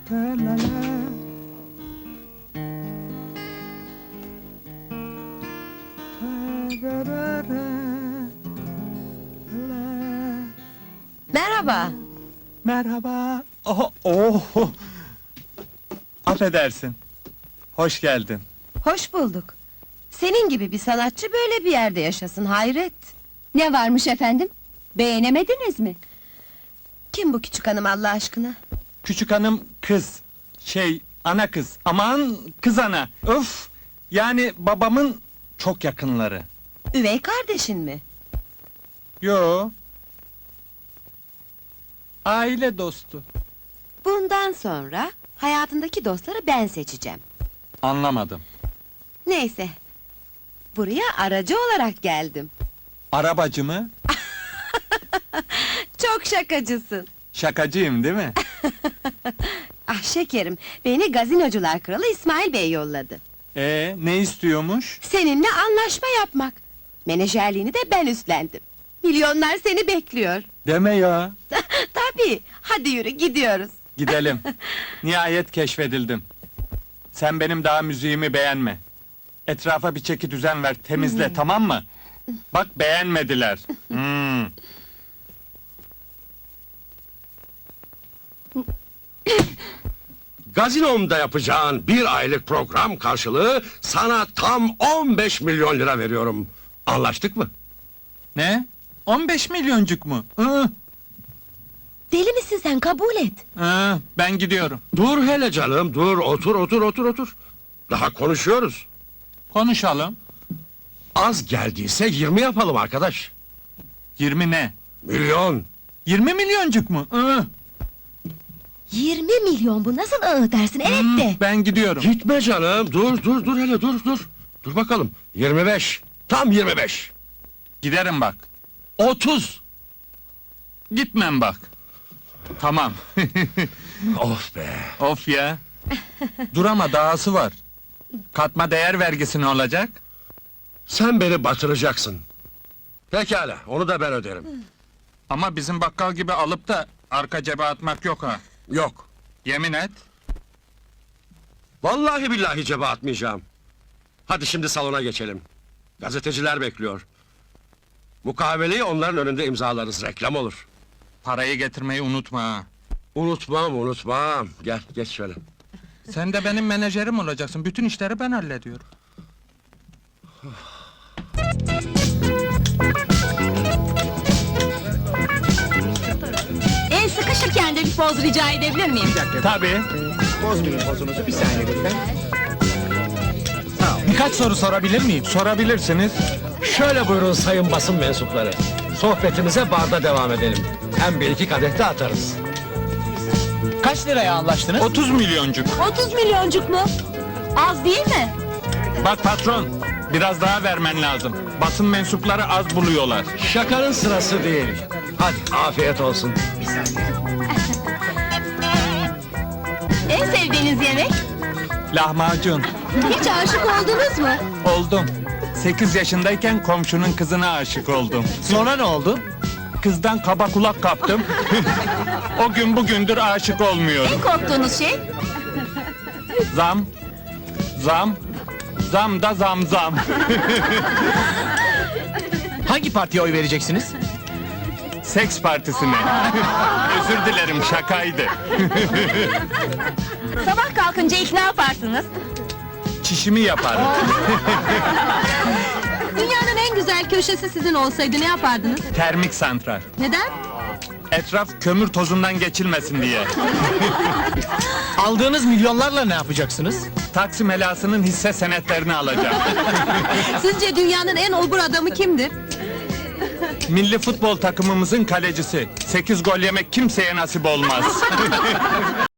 Merhaba. Merhaba. Oh, oh. Affedersin. Hoş geldin. Hoş bulduk. Senin gibi bir sanatçı böyle bir yerde yaşasın, hayret. Ne varmış efendim? Beğenemediniz mi? Kim bu küçük hanım Allah aşkına? Küçük hanım kız. Ana kız. Aman kız ana. Öf. Yani babamın çok yakınları. Üvey kardeşin mi? Yo. Aile dostu. Bundan sonra hayatındaki dostları ben seçeceğim. Anlamadım. Neyse. Buraya aracı olarak geldim. Arabacı mı? Çok şakacısın. Şakacıyım değil mi? Ah şekerim, beni gazinocular kralı İsmail Bey yolladı. Ne istiyormuş? Seninle anlaşma yapmak. Menajerliğini de ben üstlendim. Milyonlar seni bekliyor. Deme ya. Tabii, hadi yürü gidiyoruz. Gidelim. Nihayet keşfedildim. Sen benim daha müziğimi beğenme. Etrafa bir çeki düzen ver, temizle, tamam mı? Bak beğenmediler. Gazinomda yapacağın bir aylık program karşılığı sana tam 15 milyon lira veriyorum. Anlaştık mı? Ne? 15 milyoncuk mu? Deli misin sen, kabul et. Ben gidiyorum. Dur hele canım, dur, otur. Daha konuşuyoruz. Konuşalım. Az geldiyse 20 yapalım arkadaş. 20 ne? Milyon. 20 milyoncuk mu? 20 milyon bu, nasıl dersin, evet de. Ben gidiyorum. Gitme canım, dur hele, dur. Dur bakalım, 25. Tam 25. Giderim bak. 30. Gitmem bak. Tamam. Of be. Of ya. Dur ama dahası var. Katma değer vergisi ne olacak? Sen beni batıracaksın. Pekala, onu da ben öderim. Ama bizim bakkal gibi alıp da arka cebe atmak yok ha. Yok. Yemin et. Vallahi billahi cebe atmayacağım. Hadi şimdi salona geçelim. Gazeteciler bekliyor. Mukaveleyi onların önünde imzalarız, reklam olur. Parayı getirmeyi unutma ha. Unutmam. Gel, geç şöyle. Sen de benim menajerim olacaksın. Bütün işleri ben hallediyorum. El sıkışırken de bir poz rica edebilir miyim? Tabii. Bozmayın pozunuzu, bir saniye lütfen. Birkaç soru sorabilir miyim? Sorabilirsiniz. Şöyle buyurun sayın basın mensupları. Sohbetimize barda devam edelim. Hem bir iki kadeh de atarız. Kaç liraya anlaştınız? 30 milyoncuk. 30 milyoncuk mu? Az değil mi? Bak patron, biraz daha vermen lazım. Basın mensupları az buluyorlar. Şakanın sırası değil. Hadi afiyet olsun. En sevdiğiniz yemek? Lahmacun. Hiç aşık oldunuz mu? Oldum. 8 yaşındayken komşunun kızına aşık oldum. Sonra ne oldu? Kızdan kaba kulak kaptım. O gün bugündür aşık olmuyorum. En korktuğunuz şey? Zam. Zam da zam. Hangi partiye oy vereceksiniz? Seks partisine. Özür dilerim, şakaydı. Sabah kalkınca ilk ne yaparsınız? Çişimi yaparım. Dünyanın en güzel köşesi sizin olsaydı ne yapardınız? Termik santral. Neden? Etraf kömür tozundan geçilmesin diye. Aldığınız milyonlarla ne yapacaksınız? Taksim helasının hisse senetlerini alacağım. Sizce dünyanın en obur adamı kimdir? Milli futbol takımımızın kalecisi. 8 gol yemek kimseye nasip olmaz.